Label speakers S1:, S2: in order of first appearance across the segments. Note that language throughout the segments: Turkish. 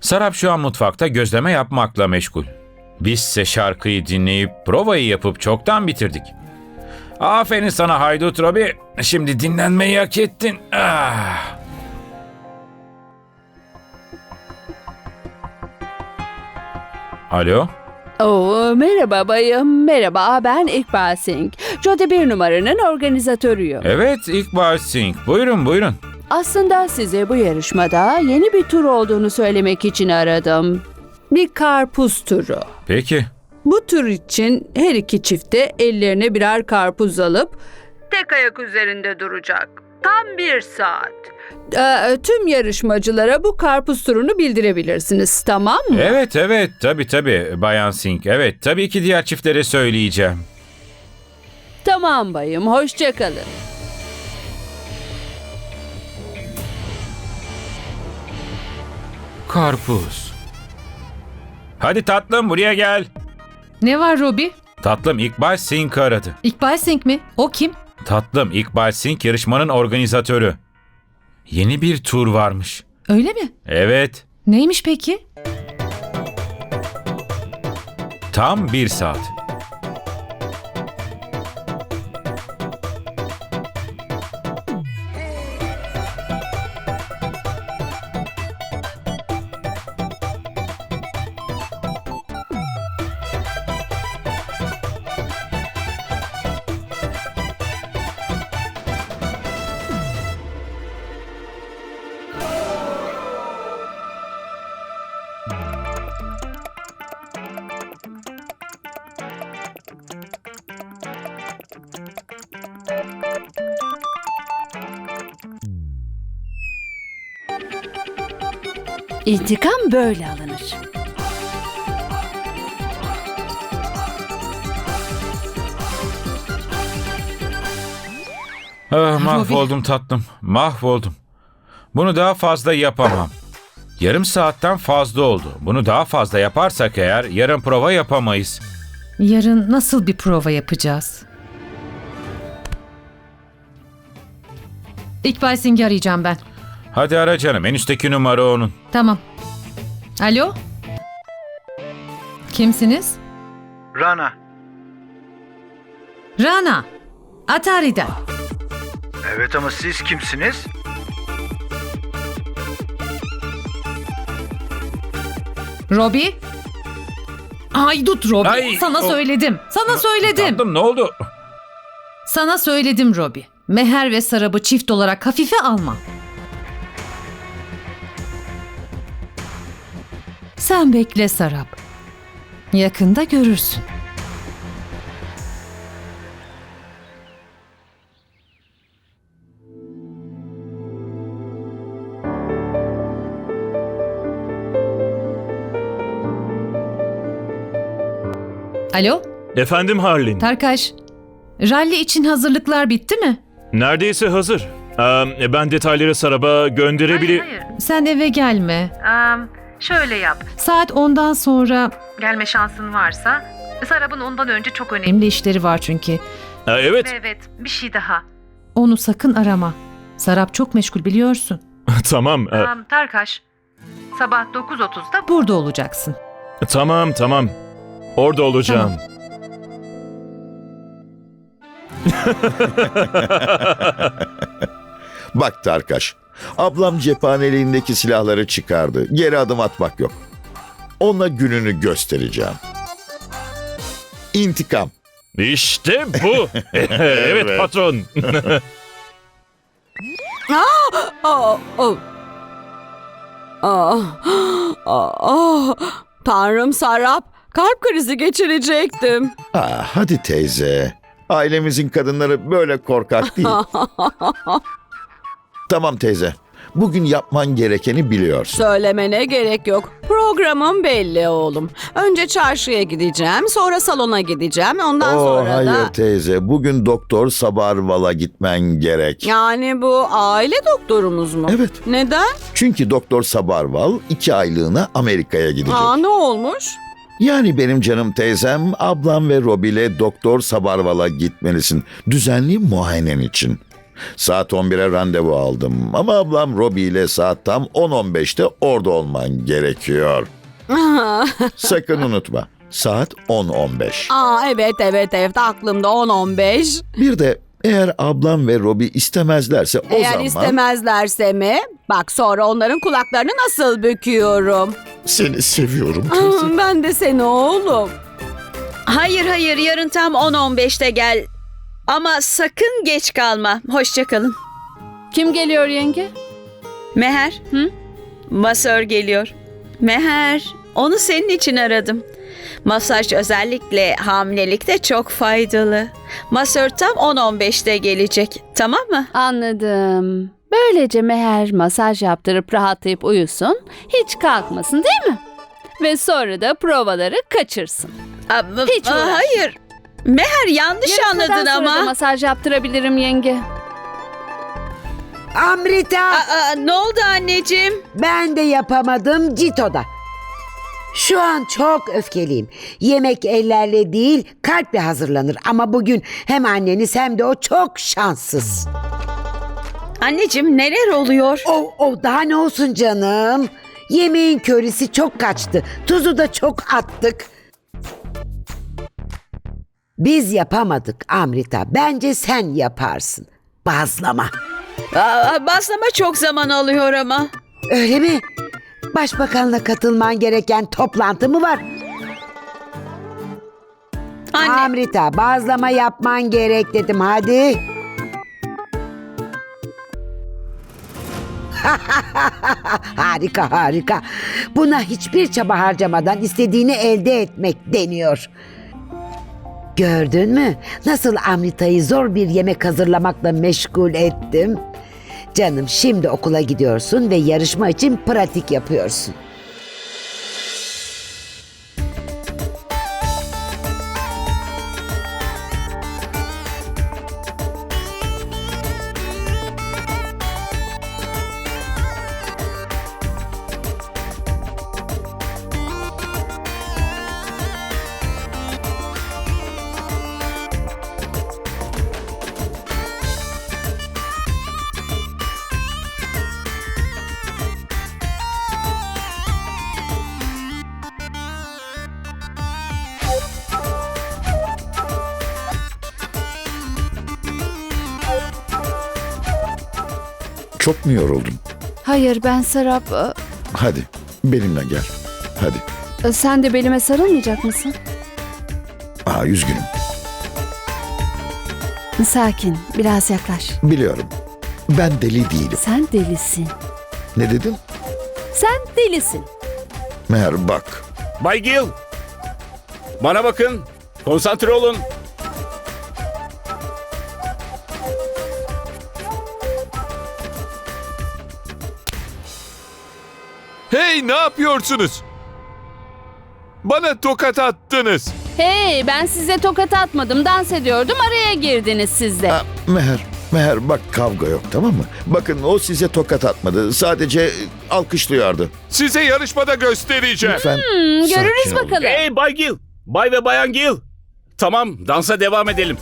S1: Sarap şu an mutfakta gözleme yapmakla meşgul. Bizse şarkıyı dinleyip provayı yapıp çoktan bitirdik. Aferin sana haydut Robi. Şimdi dinlenmeyi hak ettin. Ah. Alo?
S2: Oo, merhaba bayım, merhaba. Ben İkbal Singh. Jodi bir numaranın organizatörüyüm.
S1: Evet İkbal Singh. Buyurun buyurun.
S2: Aslında size bu yarışmada yeni bir tur olduğunu söylemek için aradım. Bir karpuz turu.
S1: Peki.
S2: Bu tur için her iki çifte ellerine birer karpuz alıp tek ayak üzerinde duracak. Tam 1 saat. Tüm yarışmacılara bu karpuz turunu bildirebilirsiniz, tamam mı?
S1: Evet tabii Bayan Singh. Evet tabii ki diğer çiftlere söyleyeceğim.
S2: Tamam bayım, hoşça kalın.
S1: Karpuz. Hadi tatlım buraya gel.
S3: Ne var Robi?
S1: Tatlım İkbal Singh aradı.
S3: İkbal Singh mi? O kim?
S1: Tatlım İkbal Singh yarışmanın organizatörü. Yeni bir tur varmış.
S3: Öyle mi?
S1: Evet.
S3: Neymiş peki?
S1: Tam 1 saat.
S2: İntikam böyle alınır.
S1: Ah, mahvoldum tatlım. Mahvoldum. Bunu daha fazla yapamam. Yarım saatten fazla oldu. Bunu daha fazla yaparsak eğer yarın prova yapamayız.
S3: Yarın nasıl bir prova yapacağız? İkbal Singh'i arayacağım ben.
S1: Hadi ara canım. En üstteki numara onun.
S3: Tamam. Alo? Kimsiniz?
S4: Rana.
S3: Rana. Atari'den.
S4: Evet ama siz kimsiniz?
S3: Robi? Haydut Robi.
S1: Ay,
S3: Sana
S1: o-
S3: söyledim. Sana söyledim.
S1: Tatlım ne oldu?
S3: Sana söyledim Robi. Meher ve Sarab'ı çift olarak hafife alma. Sen bekle Sarab. Yakında görürsün. Alo,
S5: Efendim Harlin.
S3: Tarkaş. Rally için hazırlıklar bitti mi?
S5: Neredeyse hazır. Ben detayları Sarab'a gönderebilir...
S3: Hayır. Sen eve gelme.
S6: Şöyle yap.
S3: Saat 10'dan sonra
S6: Gelme şansın varsa. Sarab'ın ondan önce çok önemli.
S3: önemli işleri var çünkü.
S5: Evet,
S6: Evet, bir şey daha.
S3: Onu sakın arama. Sarap çok meşgul biliyorsun.
S5: tamam.
S6: Tarkaş, sabah 9.30'da
S3: Burada olacaksın.
S5: Tamam. Orada olacağım.
S7: Bak Tarkaş, ablam cephaneliğindeki silahları çıkardı. Geri adım atmak yok. Ona gününü göstereceğim. İntikam.
S5: İşte bu. Evet patron.
S2: Tanrım Sarap, kalp krizi geçirecektim.
S7: Hadi teyze. Ailemizin kadınları böyle korkak değil. Tamam teyze. Bugün yapman gerekeni biliyorsun.
S2: Söylemene gerek yok. Programım belli oğlum. Önce çarşıya gideceğim, sonra salona gideceğim. Ondan sonra
S7: hayır
S2: da...
S7: teyze. Bugün Doktor Sabarval'a gitmen gerek.
S2: Yani bu aile doktorumuz mu?
S7: Evet.
S2: Neden?
S7: Çünkü Doktor Sabarval 2 aylığına Amerika'ya gidecek.
S2: Ne olmuş?
S7: Yani benim canım teyzem, ablam ve Robi ile Doktor Sabarval'a gitmelisin. Düzenli muayenen için. Saat 11'e randevu aldım ama ablam Robbie ile saat tam 10.15'te orada olman gerekiyor. Sakın unutma. Saat 10.15.
S8: Evet aklımda 10-15.
S7: Bir de eğer ablam ve Robbie istemezlerse o
S8: Eğer
S7: zaman
S8: istemezlerse mi? Bak sonra onların kulaklarını nasıl büküyorum.
S7: seni seviyorum teyze.
S8: Ben de seni oğlum.
S9: Hayır yarın tam 10-15'te gel. Ama sakın geç kalma. Hoşça kalın.
S2: Kim geliyor yenge?
S9: Meher. Masör geliyor. Meher, onu senin için aradım. Masaj özellikle hamilelikte çok faydalı. Masör tam 10-15'te gelecek. Tamam mı?
S2: Anladım. Böylece Meher masaj yaptırıp rahatlayıp uyusun, hiç kalkmasın değil mi? Ve sonra da provaları kaçırsın. Hiç uğraşma.
S9: Hayır. Meher yanlış
S2: Yarışmadan
S9: anladın
S2: sonra da
S9: ama.
S2: masaj yaptırabilirim yenge.
S10: Amrita,
S9: Ne oldu anneciğim?
S10: ben de yapamadım Cito'da. Şu an çok öfkeliyim. Yemek ellerle değil, kalple hazırlanır. Ama bugün hem anneniz hem de o çok şanssız.
S9: Anneciğim neler oluyor?
S10: O daha ne olsun canım? Yemeğin körisi çok kaçtı. Tuzu da çok attık. Biz yapamadık Amrita. Bence sen yaparsın. Bazlama.
S9: Bazlama çok zaman alıyor ama.
S10: Öyle mi? Başbakanla katılman gereken toplantı mı var?
S9: Anne.
S10: Amrita, bazlama yapman gerek dedim, hadi. Harika. Buna hiçbir çaba harcamadan istediğini elde etmek deniyor. Gördün mü? Nasıl Amrita'yı zor bir yemek hazırlamakla meşgul ettim. Canım, şimdi okula gidiyorsun ve yarışma için pratik yapıyorsun.
S7: Çok mu yoruldun?
S2: Hayır ben Serap.
S7: Hadi benimle gel. Hadi.
S2: Sen de belime sarılmayacak mısın?
S7: Üzgünüm.
S2: Sakin, biraz yaklaş.
S7: Biliyorum. Ben deli değilim.
S2: Sen delisin.
S7: Ne dedin?
S2: Sen delisin.
S7: Meğer bak.
S1: Bay Gil. Bana bakın. Konsantre olun.
S11: Hey, ne yapıyorsunuz? Bana tokat attınız.
S2: Hey, ben size tokat atmadım, dans ediyordum, araya girdiniz siz de.
S7: Meğer bak, kavga yok, tamam mı? Bakın, o size tokat atmadı. Sadece alkışlıyordu.
S11: Size yarışmada göstereceğim.
S7: Lütfen
S2: Görürüz
S7: sakin olun.
S2: bakalım.
S1: Hey Bay Gil. Bay ve Bayan Gil. Tamam, dansa devam edelim.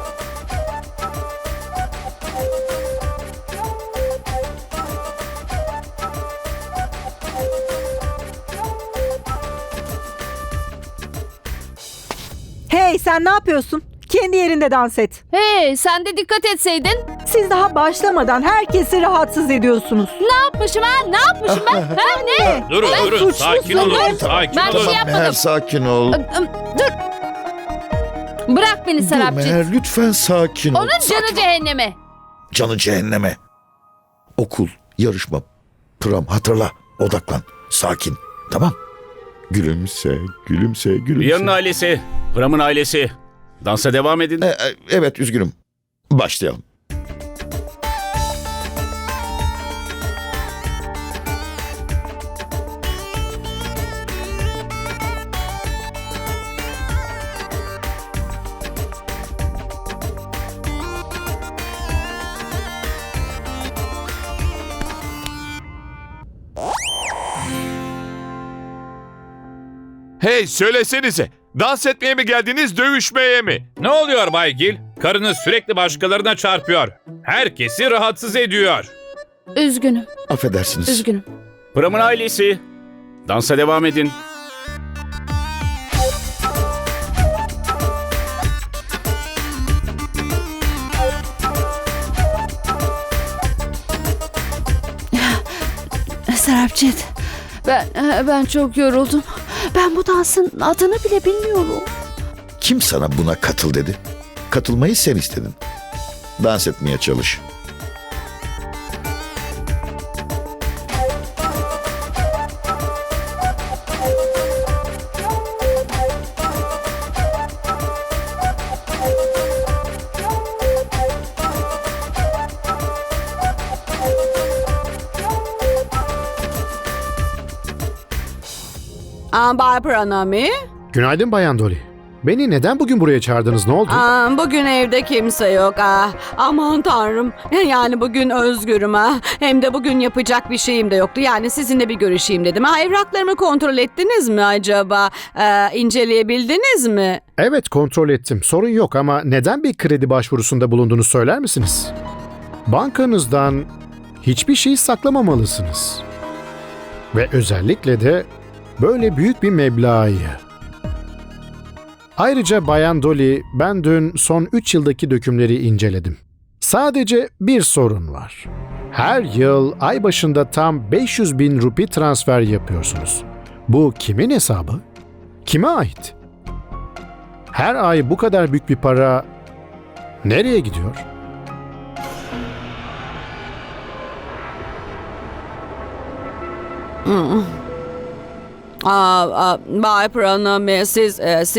S12: Hey, sen ne yapıyorsun? Kendi yerinde dans et.
S2: Hey, sen de dikkat etseydin.
S12: Siz daha başlamadan herkesi rahatsız ediyorsunuz.
S2: Ne yapmışım ha? Ne yapmışım ben? Ha ne?
S1: Durun,
S12: suçlusun.
S1: sakin olun. Sakin
S2: Ben bir
S1: olun.
S2: şey
S7: Meğer
S2: yapmadım.
S7: sakin ol.
S2: Dur. Bırak beni
S7: Dur
S2: Serapcığım.
S7: Meğer, lütfen sakin ol.
S2: Onun canı cehenneme.
S7: Canı cehenneme. Okul, yarışma, prom, hatırla. Odaklan. Sakin. Tamam. Gülümse.
S1: Riya'nın ailesi, Pram'ın ailesi. Dansa devam edin.
S7: Evet, üzgünüm. Başlayalım.
S11: Hey, söylesenize. Dans etmeye mi geldiniz, dövüşmeye mi?
S1: Ne oluyor Bay Gil? Karınız sürekli başkalarına çarpıyor. Herkesi rahatsız ediyor.
S2: Üzgünüm,
S7: Affedersiniz.
S2: üzgünüm.
S11: Pram'ın ailesi. Dansa devam edin.
S2: Sarapcit, ben çok yoruldum. Ben bu dansın adını bile bilmiyorum.
S7: Kim sana buna katıl dedi? Katılmayı sen istedin. Dans etmeye çalış.
S8: Bay Pranami.
S13: Günaydın Bayan Dolly. Beni neden bugün buraya çağırdınız? Ne oldu?
S8: Bugün evde kimse yok. Aman tanrım. Yani bugün özgürüm. Hem de bugün yapacak bir şeyim de yoktu. Yani sizinle bir görüşeyim dedim. Evraklarımı kontrol ettiniz mi acaba? İnceleyebildiniz mi?
S13: Evet, kontrol ettim. Sorun yok ama neden bir kredi başvurusunda bulunduğunu söyler misiniz? Bankanızdan hiçbir şey saklamamalısınız. Ve özellikle de böyle büyük bir meblağı. Ayrıca Bayan Dolly, ben dün son 3 yıldaki dökümleri inceledim. Sadece bir sorun var. Her yıl ay başında tam 500 bin rupi transfer yapıyorsunuz. Bu kimin hesabı? Kime ait? Her ay bu kadar büyük bir para nereye gidiyor?
S8: Bay Pranami, siz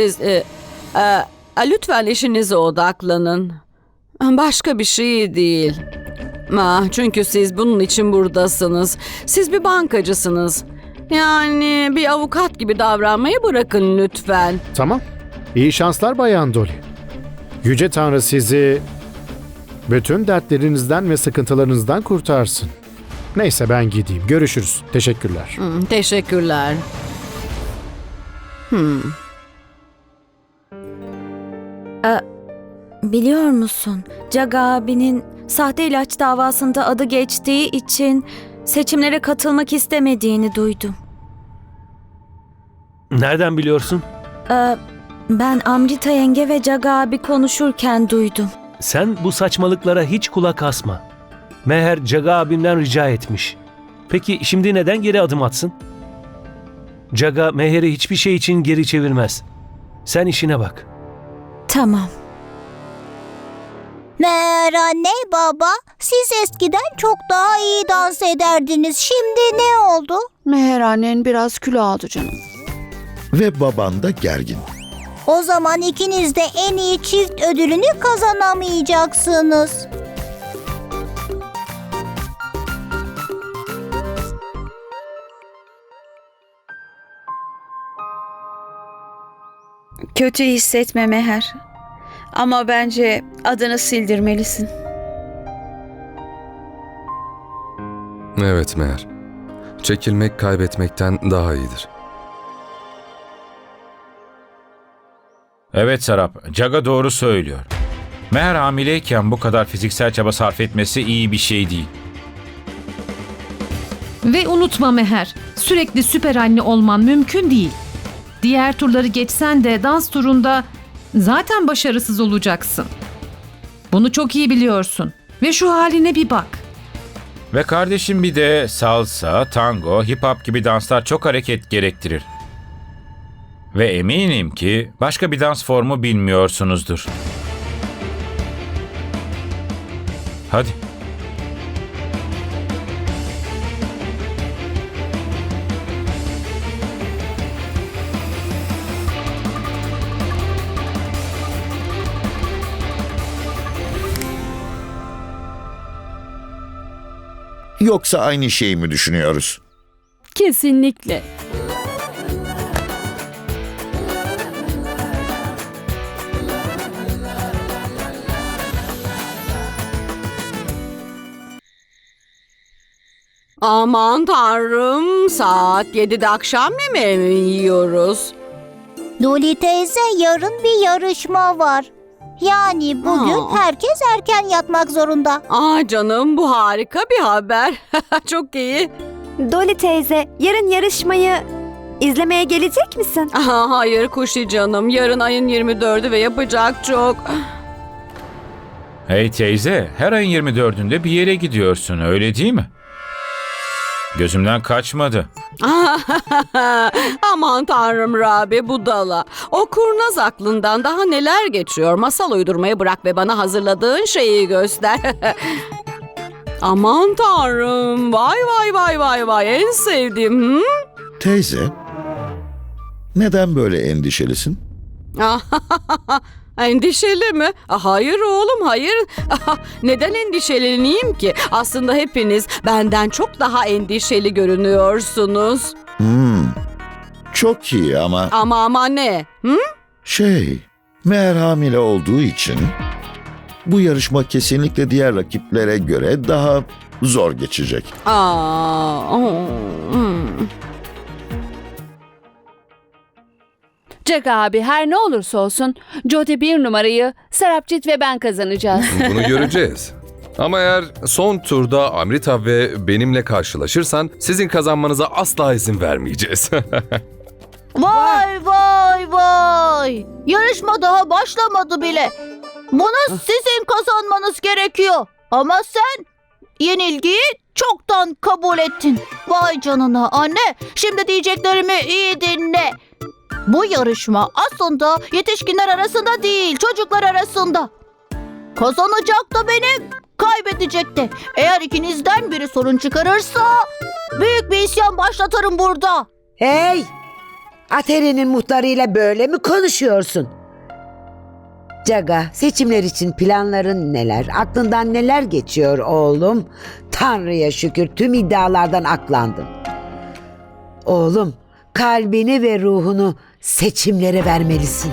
S8: lütfen işinize odaklanın. Başka bir şey değil. Çünkü siz bunun için buradasınız. Siz bir bankacısınız. Yani bir avukat gibi davranmayı bırakın lütfen.
S13: Tamam. İyi şanslar Bayan Dolly. Yüce Tanrı sizi bütün dertlerinizden ve sıkıntılarınızdan kurtarsın. Neyse ben gideyim. Görüşürüz. Teşekkürler.
S8: Teşekkürler.
S14: Biliyor musun? Jaga abinin sahte ilaç davasında adı geçtiği için seçimlere katılmak istemediğini duydum.
S5: Nereden biliyorsun?
S14: Ben Amrita yenge ve Jaga abi konuşurken duydum.
S5: Sen bu saçmalıklara hiç kulak asma. Meher Jaga abimden rica etmiş. Peki şimdi neden geri adım atsın? Jaga Meher'i hiçbir şey için geri çevirmez. Sen işine bak.
S14: Tamam.
S15: Meğer anne baba, siz eskiden çok daha iyi dans ederdiniz. Şimdi ne oldu?
S2: Meher annen biraz kilo aldı canım.
S7: Ve baban da gergin.
S15: O zaman ikiniz de en iyi çift ödülünü kazanamayacaksınız.
S9: Kötü hissetme Meher. Ama bence adını sildirmelisin.
S16: Evet Meher. Çekilmek kaybetmekten daha iyidir.
S1: Evet Sarap, Jaga doğru söylüyor. Meher hamileyken bu kadar fiziksel çaba sarf etmesi iyi bir şey değil.
S3: Ve unutma Meher, sürekli süper anne olman mümkün değil. Diğer turları geçsen de dans turunda zaten başarısız olacaksın. Bunu çok iyi biliyorsun. Ve şu haline bir bak.
S1: Ve kardeşim bir de salsa, tango, hip hop gibi danslar çok hareket gerektirir. Ve eminim ki başka bir dans formu bilmiyorsunuzdur. Hadi.
S7: Yoksa aynı şeyi mi düşünüyoruz?
S2: Kesinlikle.
S8: Aman tanrım, saat 7'de akşam yemeği mi yiyoruz?
S15: Dolly teyze, yarın bir yarışma var. Yani bugün herkes erken yatmak zorunda.
S8: Aa canım, bu harika bir haber. Çok iyi.
S14: Dolly teyze, yarın yarışmayı izlemeye gelecek misin?
S8: Aha, hayır Kuşi canım. Yarın ayın 24'ü ve yapacak çok.
S1: Hey teyze, her ayın 24'ünde bir yere gidiyorsun, öyle değil mi? Gözümden kaçmadı.
S8: Aman tanrım Rabi, budala. O kurnaz aklından daha neler geçiyor. Masal uydurmayı bırak ve bana hazırladığın şeyi göster. Aman tanrım. Vay vay vay vay vay. En sevdiğim.
S7: Teyze, neden böyle endişelisin?
S8: Endişeli mi? Hayır oğlum, hayır. Neden endişeleneyim ki? Aslında hepiniz benden çok daha endişeli görünüyorsunuz.
S7: Çok iyi ama...
S8: Ama ne?
S7: Meğer hamile olduğu için bu yarışma kesinlikle diğer rakiplere göre daha zor geçecek.
S2: Jaga abi, her ne olursa olsun Jyoti 1 numarayı Sarapcit ve ben kazanacağız.
S16: Bunu göreceğiz. Ama eğer son turda Amrita ve benimle karşılaşırsan sizin kazanmanıza asla izin vermeyeceğiz.
S15: Vay vay vay. Yarışma daha başlamadı bile. Bunu sizin kazanmanız gerekiyor. Ama sen yenilgiyi çoktan kabul ettin. Vay canına anne. Şimdi diyeceklerimi iyi dinle. Bu yarışma aslında yetişkinler arasında değil, çocuklar arasında. Kazanacak da benim, kaybedecek de. Eğer ikinizden biri sorun çıkarırsa büyük bir isyan başlatırım burada.
S10: Hey! Ateri'nin muhtarıyla böyle mi konuşuyorsun? Jaga, seçimler için planların neler? Aklından neler geçiyor oğlum? Tanrı'ya şükür tüm iddialardan aklandın. Oğlum, kalbini ve ruhunu seçimlere vermelisin.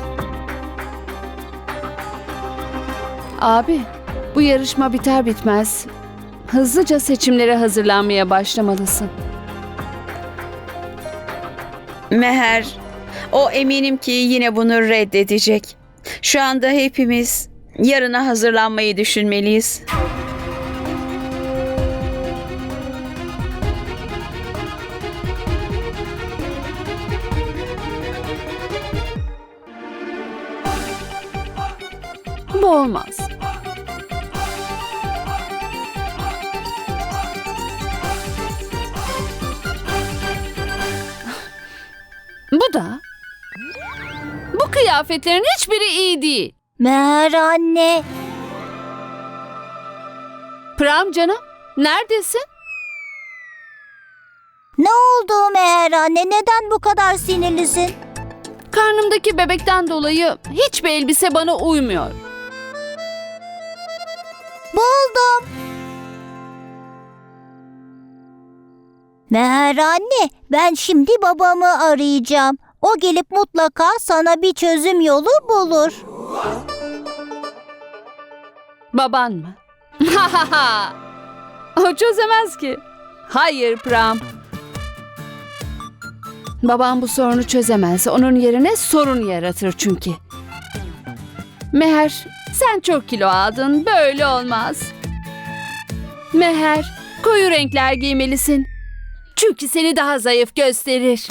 S2: Abi, bu yarışma biter bitmez hızlıca seçimlere hazırlanmaya başlamalısın.
S9: Meher, o eminim ki yine bunu reddedecek. Şu anda hepimiz yarına hazırlanmayı düşünmeliyiz.
S2: Bu olmaz. Bu da. Bu kıyafetlerin hiçbiri iyi değil.
S15: Meğer anne.
S2: Pram canım, neredesin?
S15: Ne oldu Meğer anne? Neden bu kadar sinirlisin?
S2: Karnımdaki bebekten dolayı hiçbir elbise bana uymuyor.
S15: Buldum. Meğer anne, ben şimdi babamı arayacağım. O gelip mutlaka sana bir çözüm yolu bulur.
S2: Baban mı? O çözemez ki. Hayır Pram. Babam bu sorunu çözemez. Onun yerine sorun yaratır çünkü. Meher, sen çok kilo aldın. Böyle olmaz. Meher, koyu renkler giymelisin. Çünkü seni daha zayıf gösterir.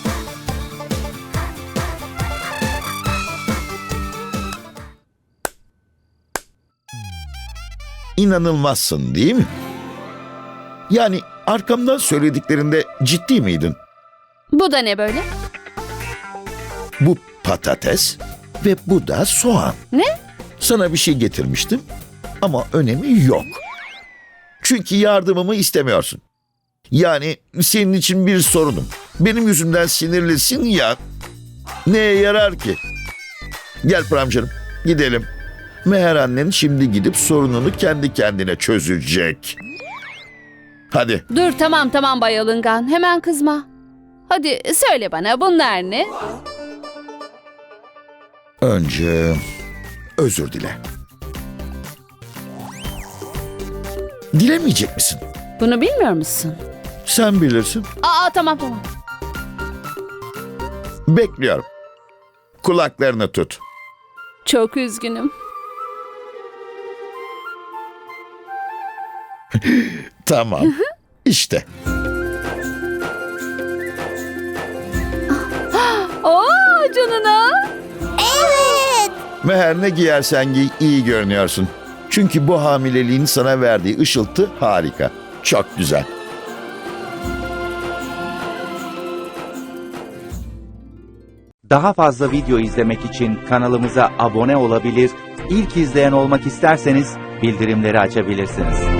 S7: İnanılmazsın değil mi? Yani arkamdan söylediklerinde ciddi miydin?
S2: Bu da ne böyle?
S7: Bu patates ve bu da soğan.
S2: Ne?
S7: Sana bir şey getirmiştim ama önemi yok. Çünkü yardımımı istemiyorsun. Yani senin için bir sorunum. Benim yüzümden sinirlisin ya. Neye yarar ki? Gel Pram canım, gidelim. Meher annen şimdi gidip sorununu kendi kendine çözecek. Hadi.
S2: Dur tamam Bay Alıngan. Hemen kızma. Hadi söyle bana bunlar ne?
S7: Önce özür dile. Dilemeyecek misin?
S2: Bunu bilmiyor musun?
S7: Sen bilirsin.
S2: Tamam.
S7: Bekliyorum. Kulaklarını tut.
S2: Çok üzgünüm.
S7: Tamam. İşte.
S2: Oo canına.
S15: Evet.
S7: Meher, ne giyersen giy, iyi görünüyorsun. Çünkü bu hamileliğin sana verdiği ışıltı harika. Çok güzel.
S17: Daha fazla video izlemek için kanalımıza abone olabilir, ilk izleyen olmak isterseniz bildirimleri açabilirsiniz.